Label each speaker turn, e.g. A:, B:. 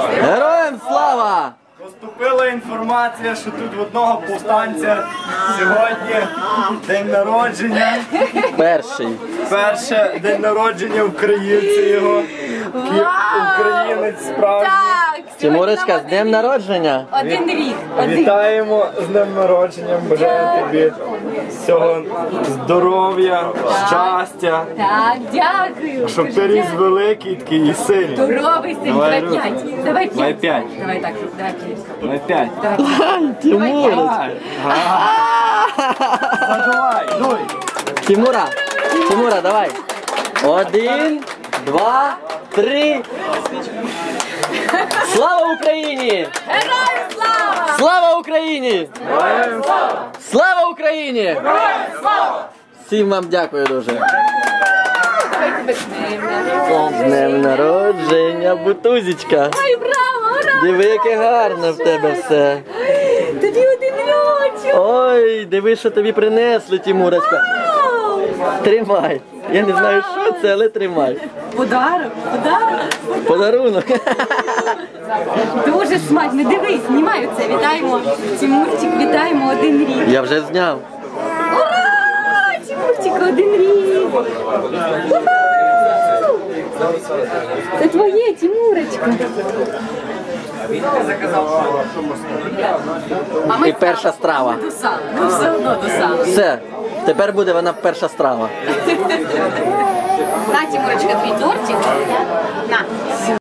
A: Героям слава!
B: Поступила інформація, що тут в одного повстанця сьогодні день народження. Перше день народження українця його. Українець справжній.
A: Тимурочка, з днем народження!
C: Один рік.
B: Вітаємо з днем народження, бажаю тобі всього здоров'я, щастя.
C: Так, дякую.
B: Щоб ти ріс великий такий і сильний.
C: Здоровий син, давай 5. Давай 5.
B: Давай 5.
C: Давай так, давай 5.
B: Давай 5.
A: Тимурочка!
B: Давай, дуй.
A: Тимура, давай! 1, 2, 3. Слава Україні!
C: Героям слава!
A: Слава Україні! Слава Україні! Всім вам дякую дуже.
C: Давай тебе
A: З днем народження, бутузічка!
C: Ой, браво, ура!
A: Диви, яке гарне в тебе все.
C: Тобі 1 рочок.
A: Ой, диви, що тобі принесли, Тимурочка. Тримай. Я не знаю, що це, але тримай.
C: Подарок.
A: Подарунок.
C: Дуже смачно. Дивись, знімаю це. Вітаємо. Тимурчик, вітаємо 1 рік.
A: Я вже зняв.
C: Ура! Тимурчик, 1 рік. Уху! Це твоє, Тимурочка.
A: І перша страва.
C: До сала. Ну все одно до сала.
A: Все. Тепер буде вона перша страва.
C: На, Тимурочка, твій тортик. На.